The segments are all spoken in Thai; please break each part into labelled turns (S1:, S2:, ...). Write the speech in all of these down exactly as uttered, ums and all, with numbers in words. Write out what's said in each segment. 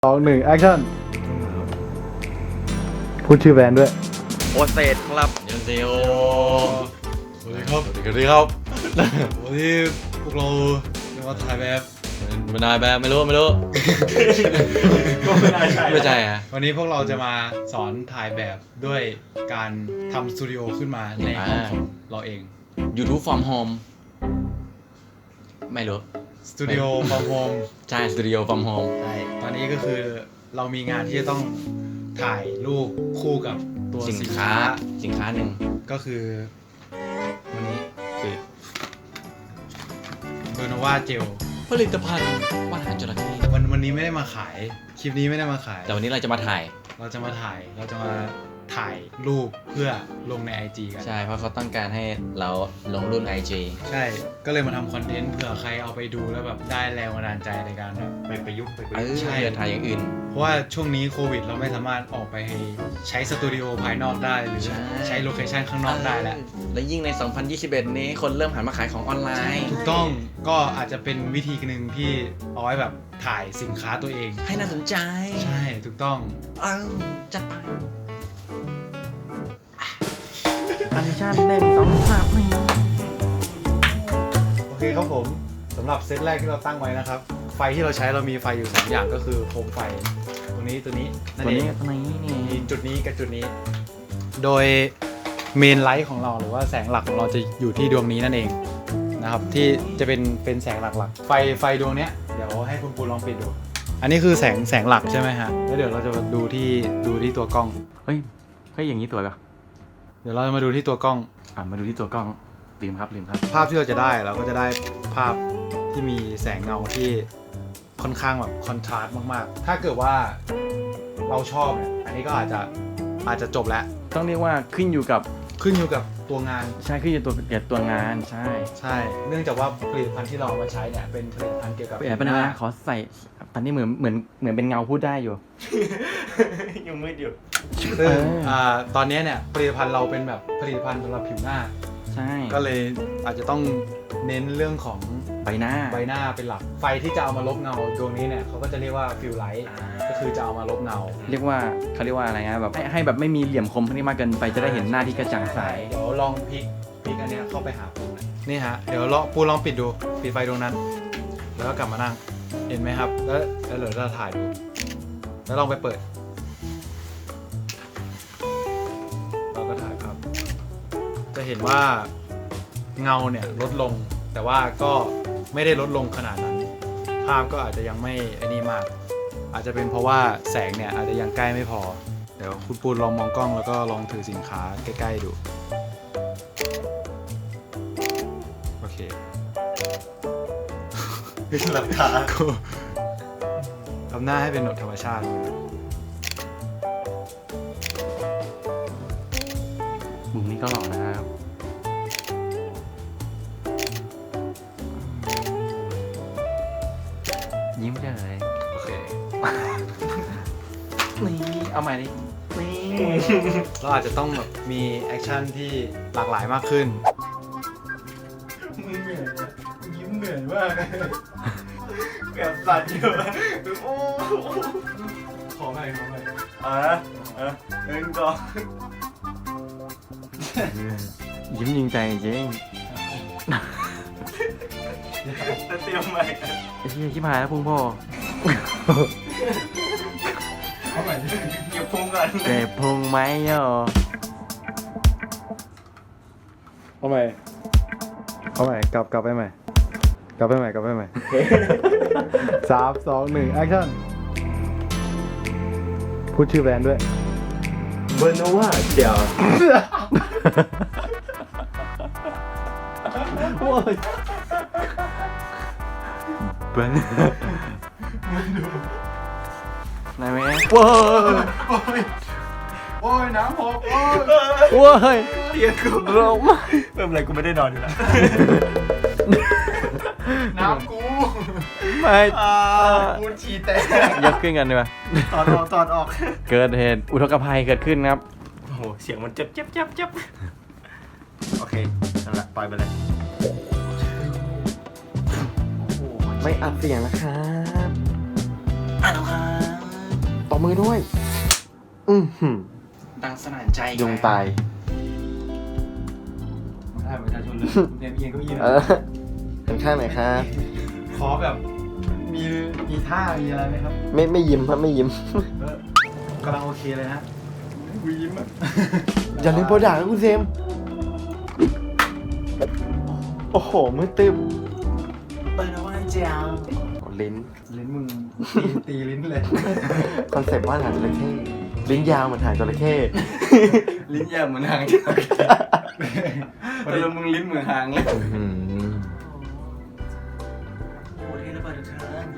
S1: สองหนึ่งแอคชั่นพูดชื่อแบรนด์ด้วย
S2: โอเซตครับเดี๋ยวเซล
S3: สวัสดีครับ สวัสดีครับ วันนี้พวกเราจะมาถ่ายแบบ
S2: ไม่ได้แบบไม่รู้ไม่รู้
S3: ก็ไม่ได้ใช่
S2: ไม่ใช่อะ
S3: วันนี้พวกเราจะมาสอนถ่ายแบบด้วยการทำสตูดิโอขึ้นมาในห้องของเราเอง
S2: YouTube from home ไม่รู้
S3: สตูดิโอ from home
S2: ใช่สตูดิโอ from home
S3: ใช่ตอนนี้ก็คือเรามีงานที่จะต้องถ่ายรูปคู่กับตัว
S2: สิน
S3: สิน
S2: ค้า
S3: ค้า
S2: สินค้าหนึ่ง
S3: ก็คือวันนี้
S2: คือ
S3: เบอร์โนวาเจล
S2: ผลิตภัณฑ์ว่านอาหารจระเข้
S3: วันวันนี้ไม่ได้มาขายคลิปนี้ไม่ได้มาขาย
S2: แต่วันนี้เราจะมาถ่าย
S3: เราจะมาถ่าย เราจะมาถ่ายรูปเพื่อลงใน ไอ จี กัน
S2: ใช่เพราะเขาต้องการให้เราลงรุ่น ไอ จี
S3: ใช่ ก็เลยมาทำคอนเทนต์เผื่อใครเอาไปดูแล้วแบบได้แรงบันดาลใจในการแบบไปประยุกต์ไปประ
S2: เอ
S3: ยุก
S2: อ
S3: ต์ใช่
S2: เพื่อถ่ายอย่างอื่น
S3: เพราะว่าช่วงนี้โควิดเราไม่สามารถออกไปใช้สตูดิโอภายนอกได้หรือ
S2: ใช่
S3: ใช้โลเคชันข้างนอกได้แล้ว
S2: และยิ่งใน สองพันยี่สิบเอ็ด นี้คนเริ่มหันมาขายของออนไลน์
S3: ถูกต้องก็อาจจะเป็นวิธีหนึ่งที่เอาไว้แบบถ่ายสินค้าตัวเอง
S2: ให้น่าสนใจ
S3: ใช่ถูกต้อง
S2: เอ้าจัดไป
S1: อันชั่นหนึ่งสองสามนี่
S3: โอเคครับผมสำหรับเซตแรกที่เราตั้งไว้นะครับไฟที่เราใช้เรามีไฟอยู่สามอย่างก็คือโคมไฟตรงนี้ตัวนี้นั่น
S1: ตัว
S3: เอ
S1: นี้
S3: ง
S1: ตัวนี้นี่
S3: มีจุดนี้กับจุดนี้ โดยเมนไลท์ของเราหรือว่าแสงหลักของเราจะอยู่ที่ดวงนี้นั่นเองนะครับที่จะเป็นเป็นแสงหลักๆไฟไฟดวงเนี้ยเดี๋ยวให้คุณปูลองปิดดูอันนี้คือแสงแสงหลักใช่ไหมฮะแล้วเดี๋ยวเราจะมาดูที่ดูที่ตัวกล้อง
S1: เฮ้ยเฮ้ยอย่างนี้สวยป่ะ
S3: เดี๋ยวเราจะมาดูที่ตัวกล้อง
S1: อ่ะมาดูที่ตัวกล้องลืมครับลืมครับ
S3: ภาพที่เราจะได้เราก็จะได้ภาพที่มีแสงเงาที่ค่อนข้างแบบคอนทราสต์มากๆถ้าเกิดว่าเราชอบเนี่ยอันนี้ก็อาจจะอาจจะจบแล้ว
S1: ต้องเรียกว่าขึ้นอยู่กับ
S3: ขึ้นอยู่กับตัวงาน
S1: ใช่ขึ้นอยู่ตัวเกี่ยวกับตัวงานใช่
S3: ใช่ เนื่องจากว่าผลิตภัณฑ์ที่เราเอามาใช้เนี่ยเป็นผลิตภัณฑ์เกี่ยวกับ
S1: แอบไปนะขอใส่ตอนนี้เหมือนเหมือนเหมือนเป็นเงาพูดได้อยู่
S2: ยังมืดอยู่
S3: ซึ่ง
S1: เอออ่
S3: อ่าตอนนี้เนี่ยผลิตภัณฑ์เราเป็นแบบผลิตภัณฑ์สำหรับผิวหน้า
S1: ใช่
S3: ก็เลยอาจจะต้องเน้นเรื่องของ
S1: ใบหน้า
S3: ใบหน้าเป็นหลัก ไฟที่จะเอามาลบเงาดวงนี้เนี่ยเขาก็จะเรียกว่าฟิลไลท์ก็คือจะเอามาลบเงา
S1: เรียกว่าเขาเรียกว่าอะไรนะแบบให้ให้แบบไม่มีเหลี่ยมคมพวกนี้มากเกินไปจะได้เห็นหน้าที่กระจ่างใส
S3: เดี๋ยวลองพลิกพลิกอันเนี้ยเข้าไปหาปูหน่อยนี่ฮะเดี๋ยวลองปูลองปิดดูปิดไฟดวงนั้น แล้วก็กลับมานั่งเห็นไหมครับแล้วแล้วเดี๋ยวเราถ่ายดูแล้วลองไปเปิดเราก็ถ่ายภาพจะเห็นว่าเงาเนี่ยลดลงแต่ว่าก็ไม่ได้ลดลงขนาดนั้นภาพก็อาจจะยังไม่ไอ้นี่มาก อาจจะเป็นเพราะว่าแสงเนี่ยอาจจะยังใกล้ไม่พอเดี๋ยวคุณปูนลองมองกล้องแล้วก็ลองถือสินค้าใกล้ๆดูโอเคหลับตาทำหน้าให้เป็นธรรมชาติ
S1: มุมนี้ก็หล่อนะครับยิ้มได้เลย
S3: โอเค
S1: นี่เอาใหม่ดินี่
S3: เราอาจจะต้องแบบมีแอคชั่นที่หลากหลายมากขึ้นมึงเหนื่อยอะยิ้มเหนื่อยมากแบบสั่นอยู่โอ้ขอใหม่ขอใหม่อ่ะอ่ะหนึ่งสอง
S1: ยิ้มจริงใจจริง
S3: จะเตรียมใหม่
S1: ไอ้ที่ชิบหายแล้วพุงพ่อ
S3: เอาใหม่เก็บพุงก่อน
S1: เจ็บพุงไหมโย
S3: เอาใหม่เอาใหม่กลับกลับไปใหม่กลับไปใหม่กลับไปใหม่สามสองหนึ่งแอคชั่นพูดชื่อแบรนด์ด้วย
S2: เบอร์โนวาเดี๋ยว
S1: โว้ยเบิ้ลนายแม่โว้ย
S3: โอ้ยโอ้ยน้ำหกโอ้ย
S1: โว้ย
S2: เตียงกู
S1: ร้องไม่
S2: เพิ่มอะไรกูไม่ได้นอนอยู่แล้ว
S3: น้ำกู
S1: ไม่
S3: กูฉี่แตก
S1: ยกขึ้นกันดีกว่า
S2: ตอนออกตอนออก
S1: เกิดเหตุอุทกภัยเกิดขึ้นครับ
S2: โอ้โหเสียงมันเจ็บเจ็บเจ็บเจ็บโอเคนั่นแหละปล่อยไปเลย
S1: ไม่อัดเสียงนะครับ
S2: อ่ะแล้วครับ
S4: มือด้วย อือหือ
S1: ดังสนั่นใจ
S4: ยุงตาย
S3: มาถ่ายประชาชนเลยเรียนเอียงเก็ยี
S4: เออเป็นข้างไหนครับ
S3: ขอแบบมีมีท่ามีอะไรไหมครับ
S4: ไม่ไม่ยิ้มครับไม่ยิ้ม
S3: เออกำลังโอเคเลยฮะวียิ้มอ่ะ
S4: อย่าลืมโปรดักต์นะคุณเซม โอ้โห มือตึม
S1: เปิดเอาไว้เจ้า
S4: ลิ้น
S3: ลิ้นมึงตีตีลิ้นเลย
S4: คอนเซ็ปต์ว่าหางจระเข้ลิ้นยาวเหมือนหางจระเข้
S1: ลิ้นยาวเหมือนหางแต่มึงลิ้นเหมือนหางเลย
S4: อื้อหือ
S1: โอ้ที่ระเบิดทุกท่าน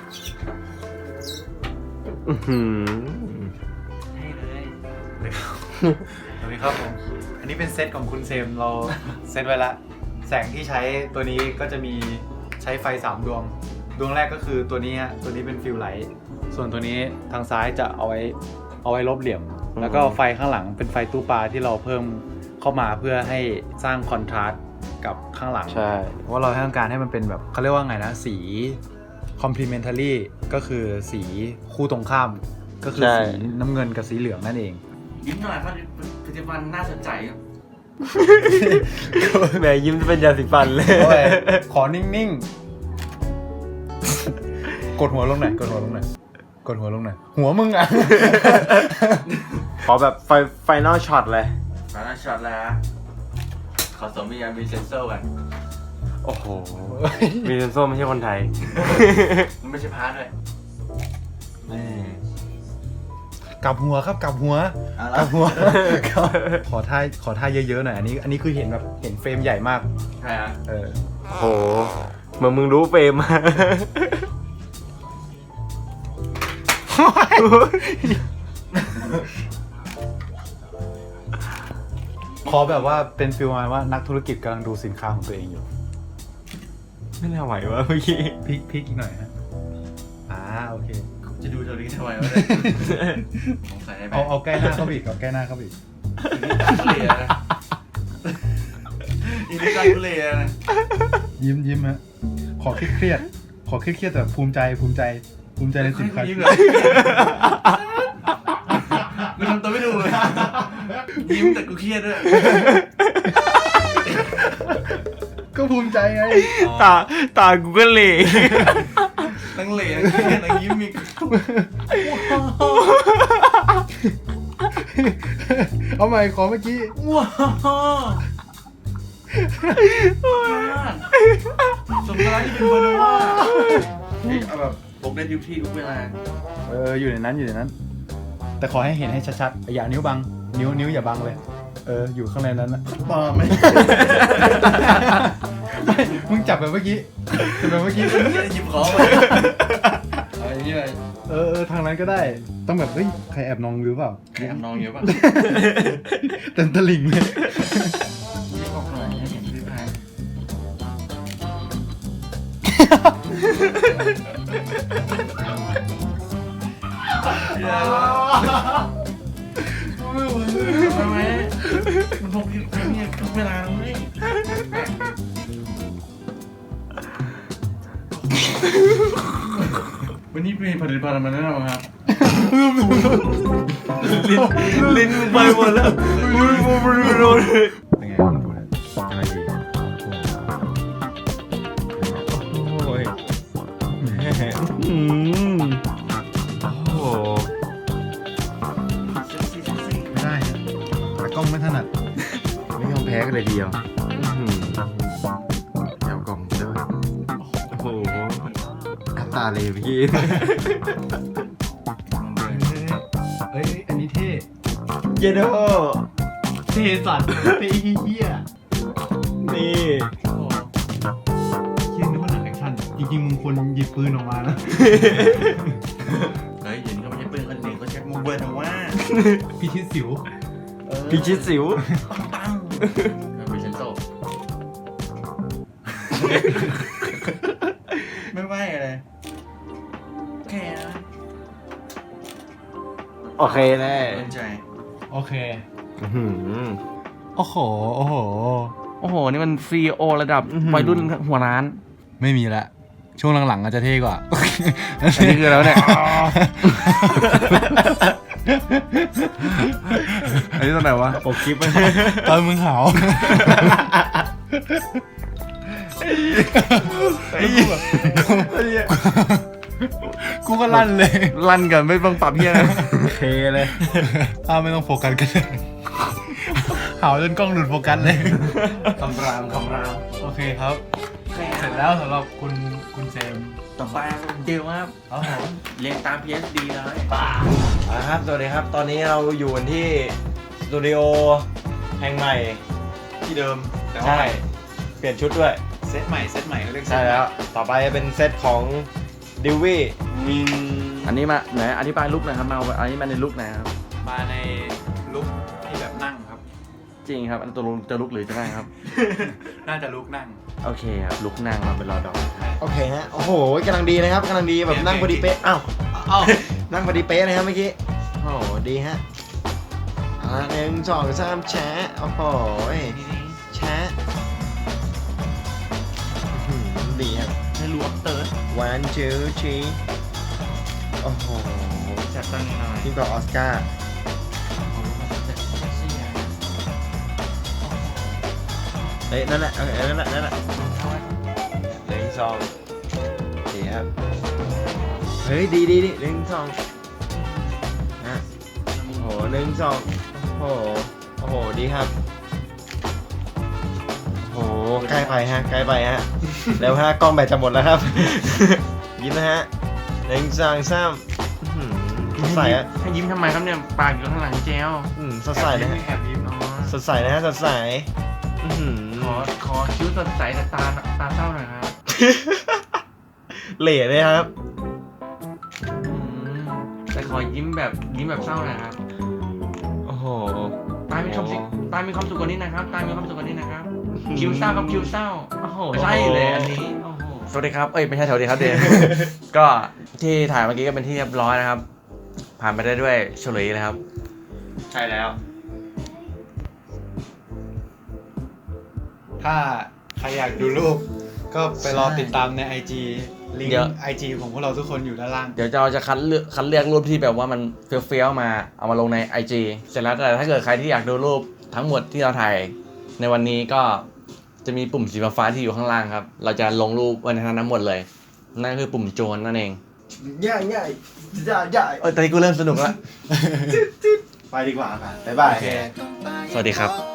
S4: อื้อหือ
S1: ให้เลย
S3: สวัสดีครับผม อันนี้เป็นเซตของคุณเซมเราเซตไว้ละ แสงที่ใช้ตัวนี้ก็จะมีใช้ไฟสามดวง ดวงแรกก็คือตัวนี้ฮะตัวนี้เป็นฟิลไลท์ส่วนตัวนี้ทางซ้ายจะเอาไว้เอาไว้ลบเหลี่ยม แล้วก็ไฟข้างหลังเป็นไฟตู้ปลาที่เราเพิ่มเข้ามาเพื่อให้สร้างคอนทราสต์กับข้างหลัง
S4: ใช่
S3: เพราะว่าเราต้องการให้มันเป็นแบบเขาเรียกว่าไงนะสี complementary ก็คือสีคู่ตรงข้าม ก็คือ
S4: ใช่
S3: สีน้ำเงินกับสีเหลืองนั่นเอง
S1: ยิ้มหน่อยครับผลิตภัณฑ์น่าสนใจครับ
S4: แหมยิ้มจะเป็นยาสีฟันเลย
S3: โอ้ยขอนิ่งๆ กดหัวลงหน่อยกดหัวลงหน่อยกดหัวลงหน่อยหัวมึงอ่ะ
S4: ขอแบบไฟไฟนอลช็อตเลย
S1: มาแล้วช็อตแล้ว ขอสมมียามีเซนเซอร์กัน
S4: โอ้โห มีเซนโซไม่ใช่คนไทย
S1: มันไม่ใช่พาร์ทด้วย
S3: กลับหัวครับกลับหัว
S1: เอา
S3: กลั
S1: ละ
S3: บหัว ขอท่าขอท่าเยอะๆหน่อยอันนี้อันนี้คือเห็นแบบเห็นเฟรมใหญ่มาก
S1: ใช่ฮะ
S3: เออ
S4: โอ้โหเหมือนมึงรู้เฟรม
S3: ขอแบบว่าเป็นฟิลมาว่านักธุรกิจกำลังดูสินค้าของตัวเองอยู่
S4: ไม่น่าไหววะเมื่อกี้
S3: พลิกพลิกอีกหน่อยฮะอ่าโอเค
S1: จะดูเท่านี้ทำไมวะเนี่ยสงสัยได้ไหม
S3: เอาเอาใกล้หน้าเข้าไปอีกเอาใกล้หน้าเข้าไปอีก
S1: อีนี่การทุเรศนะ
S3: ยิ้มยิ้มฮะขอเครียดเครียดขอเครียดเครียดแต่ภูมิใจภูมิใจภูมิใจในสินค้า
S1: ยิ้มเลยมึงทำตัวไม่ดูเลยยิ้มแต่กูเครียดด้วย
S3: ก็ภูมิใจไง
S4: ตาตากูก็เหล่
S1: ทั้งเหล่ทั้งเครียดทั้งยิ้มมี
S3: เอาใหม่ขอเมื่อกี้
S1: ว้าวสมการที่เป็นเบอร์โนว่าเอาแบบปกได้ทุกที่ทุกเวลา
S3: เอออยู่ในนั้นอยู่ในนั้น แต่ขอให้เห็นให้ชัดๆอย่านิ้วบังนิ้วนิ้วอย่าบังเลยเอออยู่ข้างในนั้นนะ
S1: ปลอมไหม
S3: ไม่มึงจับแบบเมื่อกี้จับแบบเมื่อกี้
S1: นี่หยิบของเลยอะไรนี่เลย
S3: เออเออทางนั้นก็ได้ต้องแบบเฮ้ยใครแอบนองหรือเปล่า
S1: ใครแอบนองเยอะป่ะ
S3: เต็มตะลิ่งเลย
S1: หยิบออกหน่อยให้เห็นพี่พายทำไมมันพกอยู่เนี่ยทุกเวลาเลยวันนี้มีผลิตภัณฑ์มาแนะนำครับ
S4: ลิ้นมึงไปหมดแล้ว
S3: เป็นไงดูเลยยังไงดี
S4: โอ้ยอืมโอ้โห
S3: ไม่ได้ตากล้องไม่ถนัด
S4: ไม่ยอมแพ้กันเลยทีเดียวอื้อหือแถวกล่องด้วยโอ้โหน้ำตาเลยพี่
S3: เอ้ยอันนี้เท่
S4: เยโด
S3: เท่สัตว์เท่เฮี้ย
S4: นี่
S3: เฮี้ยนึกว่าหนังแอคชั่นจริงๆมึงควรหยิบปืนออกมานะ
S1: เฮ้ยเดี๋ยวนี้เขาไม่ใช่ปืนคนหนึ่งเขาใช้มูเบิร์นว่า
S3: พี่ชิดสิว
S4: พิชิตสิว
S1: ปังเป็นเซนโซไม่ไหวอะไรแค่นะ
S4: โอเคแน่
S1: เล่นใจ
S3: โอเค
S4: อื้อหือ
S3: โอ้โหโอ้โห
S1: โอ้โห นี่มันซีโอระดับวัยรุ่นหัวร้าน
S3: ไม่มีละช่วงหลังๆอาจจะเท่กว่า
S4: อันนี้คือแล้วเนี่ย อันนี้ตอนไหนวะปกคลิปมัน
S3: ตอนมึงหาวกูก็ลั่นเลย
S4: ลั่นกันไม่ต้องปรับเพี้ยนะเคเลย
S3: ถ้าไม่ต้องโฟกัสกันเลยหาวจนกล้องหลุดโฟกัสเลย
S1: คำรามคำราม
S3: โอเคครับ เสร็จแล้วสำหรับคุณคุณเซม
S1: ต่อไปเดียวครับ
S3: ครับผม
S1: เรียนตาม พี เอส ดี เลย
S2: อ่าครับสวัสดีครับ ตอนนี้เราอยู่กันที่สตูดิโอแห่งใหม่
S3: ที่เดิมแต่ว่า
S2: ใช่ เปลี่ยนชุดด้วย
S3: เซตใหม่เซตใหม่เขาเรียกเซต
S2: ใช่แล้ว ต่อไปจะเป็นเซตของดิววี่
S4: อันนี้มาไหนอธิบายลุกหน่อยครับมาอันนี้มาในลุกไหนครับ
S3: มาในลุคที่แบบนั่งครับ
S4: จริงครับ อันตัวลุกจะลุกหรือจะนั่งครับ
S3: น่าจะลุคนั่ง
S4: โอเคครับลุกนั่งมาเป็นรอดอก
S2: โอเคฮะ โอ้โหกำลังดีนะครับกำลังดีแบบนั่งพอดีเป๊ะ อ้าว
S3: เอ้า
S2: นั่งพอดีเป๊ะนะครับเมื่อกี้ โอ้โห ดีฮะอ่าหนึ่งสองสามแชะโอ้โหแชะอื้อหือดีครับ
S1: ให้รู้อัปเตอร์
S2: one two three โอ้โห
S1: จัดตั้งหน่อย
S2: ยิ่งกว่าออสการ์เฮ้ยนั่นแหละโอเคนั่นแหละนั่นแหละหนึ่งสองดีครับเฮ้ยดีดีดีหนึ่งสองนะโอ้โหหนึ่งสองโอ้โหโอ้โหดีครับโอ้โหใกล้ไปฮะใกล้ไปฮะเร็วฮะกล้องแบตจะหมดแล้วครับ ยิ้มนะฮะหนึ่งสองสามอื้อหือสดใสฮะ
S1: ให้ยิ้มทำไมครับเนี่ย ปากอยู่ข้างหลังเจล
S2: อืมสดใสนะฮะ
S1: แอบยิ้มอ๋อ
S2: สดใสนะฮะสดใสอื้อหือ
S1: ขอขอคิ้วสดใสแต่ตาตาเศร้าหน่อยครับ
S2: เหล่เลยครับ
S1: อืมแต่ขอยิ้มแบบยิ้มแบบเศร้าหน่อยครับ
S2: โอ้โห
S1: ตามีความสุขตามีความสุขกว่านี้นะครับตามีความสุขกว่านี้นะครับ คิ้วเศร้ากับคิ้วเศร้า โอ้โห ใช่เลยอันนี้ โอ้โห
S2: สวัสดีครับ เอ้ยไม่ใช่สวัสดีครับเดน ก็ที่ถ่ายเมื่อกี้ก็เป็นที่เรียบร้อยนะครับ ผ่านไปได้ด้วยเฉลยเลยครับ
S1: ใช่แล้ว
S3: ถ้าใครอยากดูรูป ก็ไปรอติดตามใน ไอ จี ลิง
S2: เดี๋ยว
S3: ก์ ไอ จี ของพวกเราทุกคนอยู่ด้านล่าง
S2: เดี๋ยวเราจะคัดเลือกคัดเลือกรูปที่แบบว่ามันเฟี้ยวๆมาเอามาลงใน ไอ จี เสร็จแล้วแต่ถ้าเกิดใครที่อยากดูรูปทั้งหมดที่เราถ่ายในวันนี้ก็จะมีปุ่มสีฟ้าๆที่อยู่ข้างล่างครับ เราจะลงรูปไว้ในนั้นทั้งหมดเลย นั่นคือปุ่มโจรนั่นเอง
S3: ง่ายง่ายย่าย่า
S2: เออตอนนี้กูเริ่มสนุกแล้ว
S3: ไปดีกว่าค่ะบ๊ายบาย
S2: สวัสดีครับ